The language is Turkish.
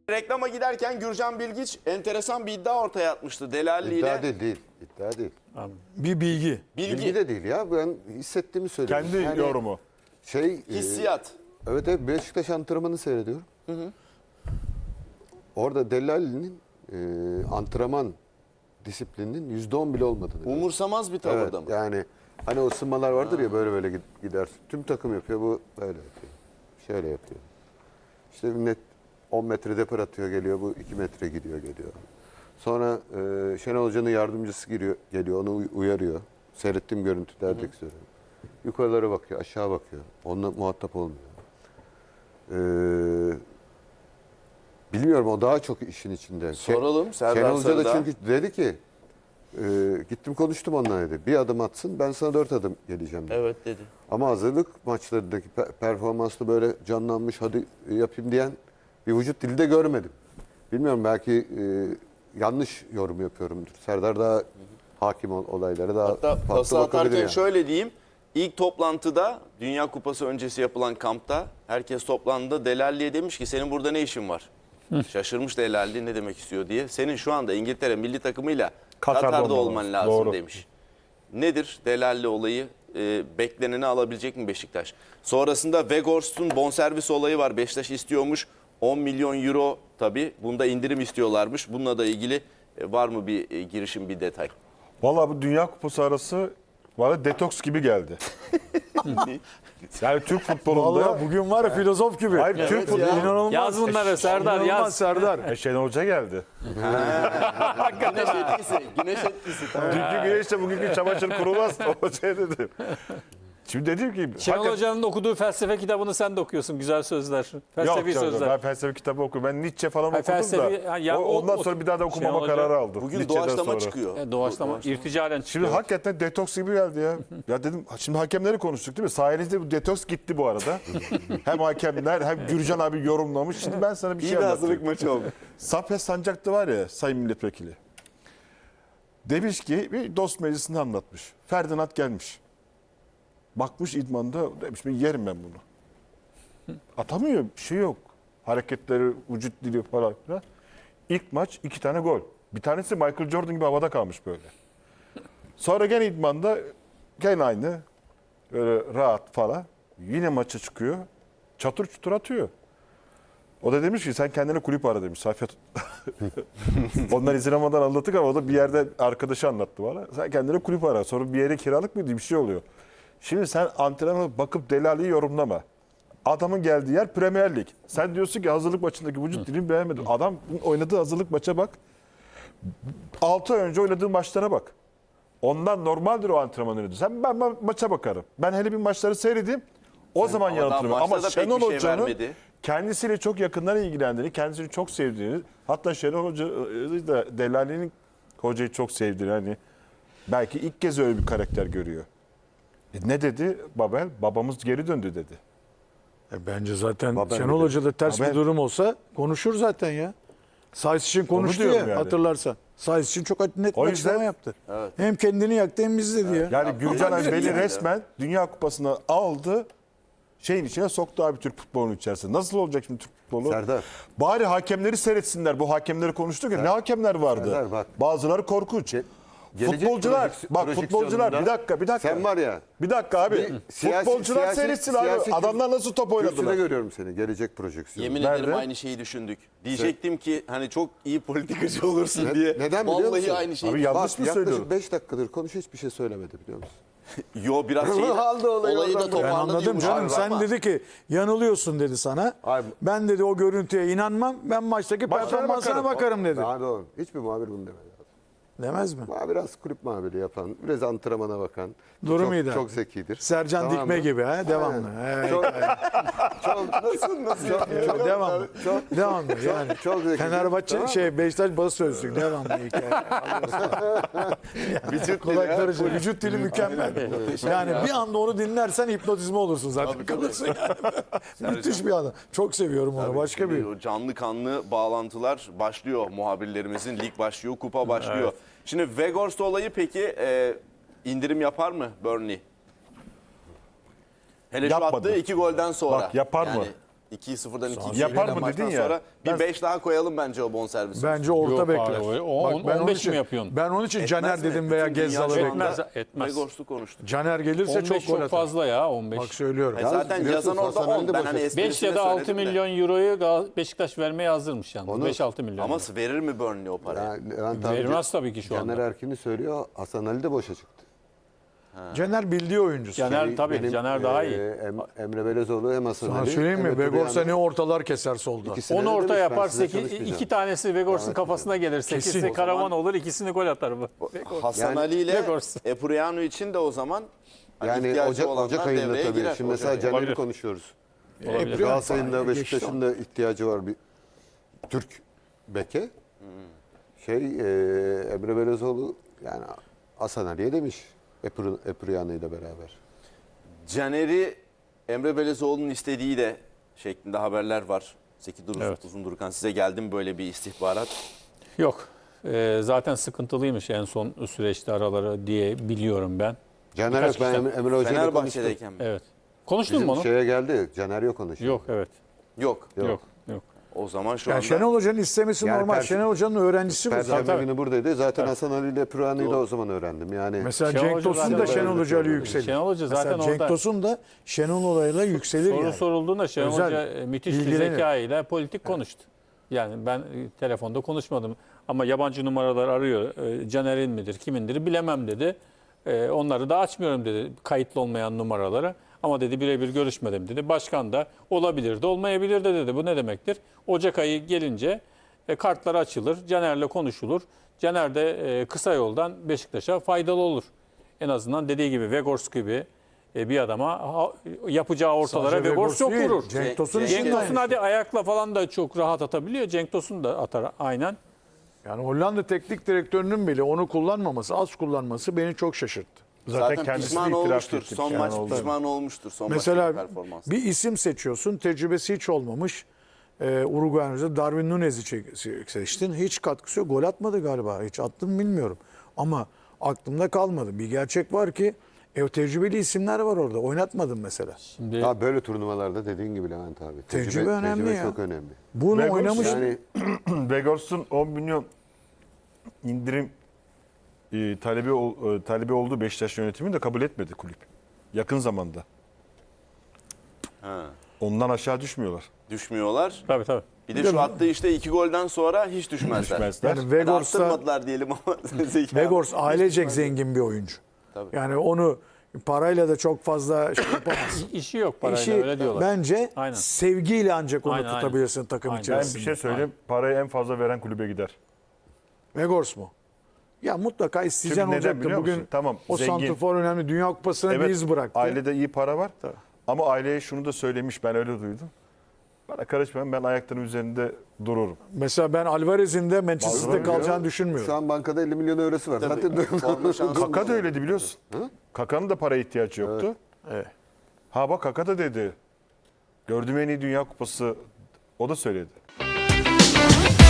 Reklama giderken Gürcan Bilgiç enteresan bir iddia ortaya atmıştı. Delalli ile. İddia değil. Bir bilgi. Bilgi de değil ya. Ben hissettiğimi söylüyorum. Kendi yorumu. Hissiyat. Evet, Beşiktaş antrenmanı seyrediyorum. Orada Delali'nin antrenman disiplininin %10 bile olmadığını. Umursamaz bir tavırda mı? Yani hani o ısınmalar vardır ya, böyle gider. Tüm takım yapıyor, bu böyle yapıyor. Şöyle yapıyor. İşte net 10 metre depar atıyor, geliyor, bu 2 metre gidiyor geliyor. Sonra Şenol Hoca'nın yardımcısı geliyor, onu uyarıyor. Seyrettiğim görüntülerdeki söylüyorum. Yukarılara bakıyor, aşağı bakıyor. Onunla muhatap olmuyor. Bilmiyorum, o daha çok işin içinde. Soralım Serdar Şenol Hoca da Sarıdağ. çünkü dedi ki gittim konuştum onunla dedi. Bir adım atsın, ben sana 4 adım geleceğim dedi. Evet dedi. Ama hazırlık maçlarındaki performanslı böyle canlanmış, hadi yapayım diyen bir vücut dili de görmedim. Bilmiyorum, belki yanlış yorum yapıyorumdur. Serdar daha hakim olaylara daha Hatta farklı pası bakabilir atarken yani. şöyle diyeyim. İlk toplantıda Dünya Kupası öncesi yapılan kampta herkes toplandı. Delalli'ye demiş ki senin burada ne işin var? Şaşırmış Delalli ne demek istiyor diye. Senin şu anda İngiltere milli takımıyla Katar'da olman lazım Doğru. demiş. Nedir Delalli olayı? Bekleneni alabilecek mi Beşiktaş? Sonrasında Weghorst'un bonservis olayı var. Beşiktaş istiyormuş. 10 milyon euro tabii. Bunda indirim istiyorlarmış. Bununla da ilgili var mı bir girişim, bir detay? Vallahi bu Dünya Kupası arası bana detoks gibi geldi. Yani Türk futbolunda... Vallahi bugün var ya filozof gibi. Hayır, Türk futbolu... İnanılmaz. Yaz bunları Serdar, İnanılmaz yaz. Serdar. Şenol Hoca geldi. Güneş etkisi. Güneş etkisi. Tamam. Dünkü güneşte bugünkü çamaşır kurumaz. O şey dedi. Şimdi dedim ki... Şenol Hoca'nın okuduğu felsefe kitabını sen de okuyorsun. Güzel sözler. Yok Felsefi canım, sözler. ben felsefe kitabı okuyorum. Ben Nietzsche falan Hayır, okudum felsefi- da. ya ondan o- sonra bir daha da okumama Şenol Hoca- kararı aldım. Bugün Nietzsche'den doğaçlama sonra. çıkıyor. Doğaçlama, irticalen çıkıyor. Şimdi hakikaten detoks gibi geldi ya. Ya dedim, şimdi hakemleri konuştuk değil mi? Sayenizde bu detoks gitti bu arada. Hem hakemler hem Gürcan abi yorumlamış. Şimdi ben sana bir şey İyi bir hazırlık anlatayım. maçı oldu. Safiye Sancak'ta var ya, Sayın Milletvekili. Demiş ki bir dost meclisinde anlatmış. Ferdinand gelmiş. Bakmış idmanda, demiş ben yerim ben bunu. Atamıyor, bir şey yok. Hareketleri, vücut dili falan filan. İlk maç 2 tane gol. Bir tanesi Michael Jordan gibi havada kalmış böyle. Sonra gene idmanda gene aynı. Böyle rahat falan. Yine maça çıkıyor. Çatır çutur atıyor. O da demiş ki sen kendine kulüp ara demiş. Safiyet. Onlar izin almadan anlattık ama o da bir yerde arkadaşı anlattı bana. Sen kendine kulüp ara. Sonra bir yere kiralık mıydı, bir şey oluyor. Şimdi sen antrenmana bakıp Delali'yi yorumlama. Adamın geldiği yer Premier Lig. Sen diyorsun ki hazırlık maçındaki vücut dilini beğenmedim. Adam oynadığı hazırlık maça bak. 6 ay önce oynadığı maçlara bak. Ondan normaldir o antrenman oynadı. Ben maça bakarım. Ben hele bir maçları seyredeyim. O zaman Ama daha yanıtırım. maçta Ama da pek Şenol bir şey Hoca'nın vermedi. kendisiyle çok yakından ilgilendiğini, kendisini çok sevdiğini, hatta Şenol Hoca da Delali'nin hocayı çok sevdiğini, hani belki ilk kez öyle bir karakter görüyor. Ne dedi Babel? Babamız geri döndü dedi. Bence zaten Babel Şenol dedi. Hoca'da ters Babel. bir durum olsa konuşur zaten ya. Sayıs için konuştu ya diyorum yani. hatırlarsan. Sayıs için çok net O bir yüzden- açıklama yaptı. Hem kendini yaktı hem bizi dedi ya. Yani Gürcan Bey'i resmen Dünya Kupası'na aldı, şeyin içine soktu abi Türk futbolunun içerisine. Nasıl olacak şimdi Türk futbolu? Serdar. Bari hakemleri seyretsinler. Bu hakemleri konuştuk ya. Ne hakemler vardı? Serdar, bak. Bazıları korkunç. Gelecek Futbolcular, bak futbolcular projeksiyonunda bir dakika. Sen var ya. Bir dakika abi. Futbolcular seyretsin abi. Adamlar nasıl top Kürsüde oynadılar? görüyorum seni. Gelecek projeksiyonu. Yemin Nerede? ederim aynı şeyi düşündük. Diyecektim ki hani çok iyi politikacı olursun diye. Neden biliyor Vallahi musun? aynı şeyi Abi düşündük. yanlış mı Yaklaşık söylüyorum? 5 dakikadır konuş, hiçbir şey söylemedi biliyor musun? Yo biraz şey. Aldı olayı Olayı da oradan. Ben toparladı. anladım yumuşak canım. Sen ama. dedi ki yanılıyorsun dedi sana. Abi- Ben dedi o görüntüye inanmam. Ben maçtaki Maçlara performansına bakarım dedi. Daha doğru. Hiçbir muhabir bunu demedi. Demez mi? Biraz kulüp muhabiri yapan, biraz antrenmana bakan. Durum iyi de. Çok zekidir. Sercan Tamam Dikme mı? gibi ha devamlı. Evet. Çok Devamlı. Devamlı yani. çok zekidir. Fenerbahçe Tamam mı? Beşiktaş bası sözlük devamlı hikaye. Vücut Kolay dili, karışır. Vücut dili mükemmel. Yani bir anda onu dinlersen hipnotizma olursun zaten. Kalırsın yani. Müthiş bir adam. Çok seviyorum onu. Başka bir. O canlı kanlı bağlantılar başlıyor muhabirlerimizin. Lig başlıyor, kupa başlıyor. Şimdi Weghorst olayı peki indirim yapar mı Burnley? Hele şu Yapmadı. attığı 2 golden sonra. Bak, yapar mı? 2-0'dan 2-2'den Yapar mı maçtan dedin ya, sonra ben- bir 5 daha koyalım bence o bonservisi. Bence orta Yok bekler. abi, Bak, ben onun 15 için- mi yapıyorsun? Ben onun için Caner Etmez mi? dedim veya Bütün dünya Gezzal'ı şu bekledim. anda Etmez, etmez. Vegors'u konuştuk. Caner gelirse 15 çok çok, gol atar. fazla ya 15. Bak söylüyorum. Zaten biliyorsun yazan orada Hasan Ali 10. de Ben boşa hani çıktı. 5 esprisine ya da 6 söyledim de. milyon euroyu Beşiktaş vermeye hazırmış yani. Onu- 5-6 milyon. Ama verir mi Burnley o parayı? Yani Levent abi Vermez tabii ki şu Caner anda. Erkin'i söylüyor. Hasan Ali de boşa çıktı. Caner bildiği oyuncusu. Caner tabii Benim, Caner daha iyi. Emre Belezoğlu hem Hasan Sana Ali. söyleyeyim mi? hem Ötürü Vegorsa yani. ne ortalar keser solda. İkisine Onu de orta demiş, ben yapar. size 2 çalışmayacağım. tanesi Vegors'un kafasına gelir. 8'si Kesin. Karaman olur. İkisini gol atar bu. Hasan Yani- Ali ile Vegors. Epuriano için de o zaman hani Yani ihtiyacı olanlar Ocak ayında devreye tabii. girer. Şimdi mesela Caner'i Olabilir. konuşuyoruz. Olabilir. Galatasaray'ın da Geçti Beşiktaş'ın da ihtiyacı var bir Türk beke. Emre Belezoğlu yani Hasan Ali'ye demiş Epuriano ile beraber. Caner'i Emre Belezoğlu'nun istediği de şeklinde haberler var. Zeki Evet. Uzundurkan size geldi mi böyle bir istihbarat? Yok. Zaten sıkıntılıymış en son süreçte araları diye biliyorum ben. Caner Birkaç yok ben kişiden- Emre Hoca'yla konuştum. Fenerbahçe'deyken mi? Evet. Konuştun mu Bizim onu? şeye geldi. Caner yok onun için. Yok evet. Yok. Yok. Yok. O zaman şu Yani anda Şenol Hoca'nın istemesi Yani normal. Şenol Hoca'nın öğrencisi bu zaten. Perşembe Tabii. günü buradaydı. Zaten Hasan Ali ile Epuriano'yu da o zaman öğrendim. Yani Mesela Şenol Cenk Hoca Tosun da zaten Şenol böyle Hoca ile söylüyor. yükselir. Şenol Hoca zaten Mesela Cenk orada- Tosun da Şenol olayla yükselir Soru yani. sorulduğunda Şenol Özel, Hoca müthiş bir ilgilenir. zeka ile politik konuştu. Yani ben telefonda konuşmadım ama yabancı numaralar arıyor. Caner'in midir, kimindir bilemem dedi. Onları da açmıyorum dedi kayıtlı olmayan numaraları. Ama dedi birebir görüşmedim dedi. Başkan da olabilir de olmayabilir de dedi. Bu ne demektir? Ocak ayı gelince kartlar açılır. Caner'le konuşulur. Caner de kısa yoldan Beşiktaş'a faydalı olur. En azından dediği gibi Vegors gibi bir adama yapacağı ortalara Sadece Vegors Vegors çok değil, vurur. Cenk Tosun Cenk için Cenk de Tosun aynı hadi şey. ayakla falan da çok rahat atabiliyor. Cenk Tosun da atar aynen. Yani Hollanda teknik direktörünün bile onu kullanmaması, az kullanması beni çok şaşırttı. zaten kendisi pişman de itiraf olmuştur. etti. Son Yani maç oldu. pişman olmuştur. Son Mesela maçtaki performans. bir isim seçiyorsun, tecrübesi hiç olmamış. Uruguay'ın Darwin Nunez'i seçtin. Hiç katkısı yok. Gol atmadı galiba. Hiç attı mı bilmiyorum. Ama aklımda kalmadı. Bir gerçek var ki tecrübeli isimler var orada. Oynatmadım mesela. Şimdi ya böyle turnuvalarda dediğin gibi Levent abi. Tecrübe önemli ya. çok önemli. Bunu Vegors oynamış. Yani Vegors'un 10 milyon indirim talebi olduğu Beşiktaş yönetimi de kabul etmedi kulüp. Yakın zamanda. Ha, Ondan aşağı düşmüyorlar. düşmüyorlar. tabii. Bir de şu attığı işte 2 golden sonra hiç düşmezler. Düşmezler. Yani Hadi Vegors'ta arttırmadılar diyelim ama. Zeki Vegors abi. ailecek zengin bir oyuncu. Tabii. Yani onu parayla da çok fazla şey yapamaz. İşi yok parayla İşi öyle diyorlar. bence Aynen. sevgiyle ancak onu Aynen, aynen. tutabilirsin takım Aynen. Ben içerisinde. bir şey söyleyeyim. Parayı en fazla veren kulübe gider. Vegors mu? Ya mutlaka isteyeceğin Çünkü neden olacaktı. biliyor Bugün musun? Tamam, o zengin. santrfor önemli. Dünya Kupası'na bir iz bıraktı. Ailede iyi para var. Ama aileye şunu da söylemiş, ben öyle duydum. Bana karışmayın, ben ayaklarım üzerinde dururum. Mesela ben Alvarez'in de Manchester'da Bazıları kalacağını diyor, düşünmüyorum. Şu an bankada 50 milyon eurosu var. Tabii. Zaten Forma şansı Kaka da öyleydi biliyorsun. Kaka'nın da paraya ihtiyacı yoktu. Evet. Ha bak Kaka da dedi. Gördüğüm en iyi Dünya Kupası o da söyledi.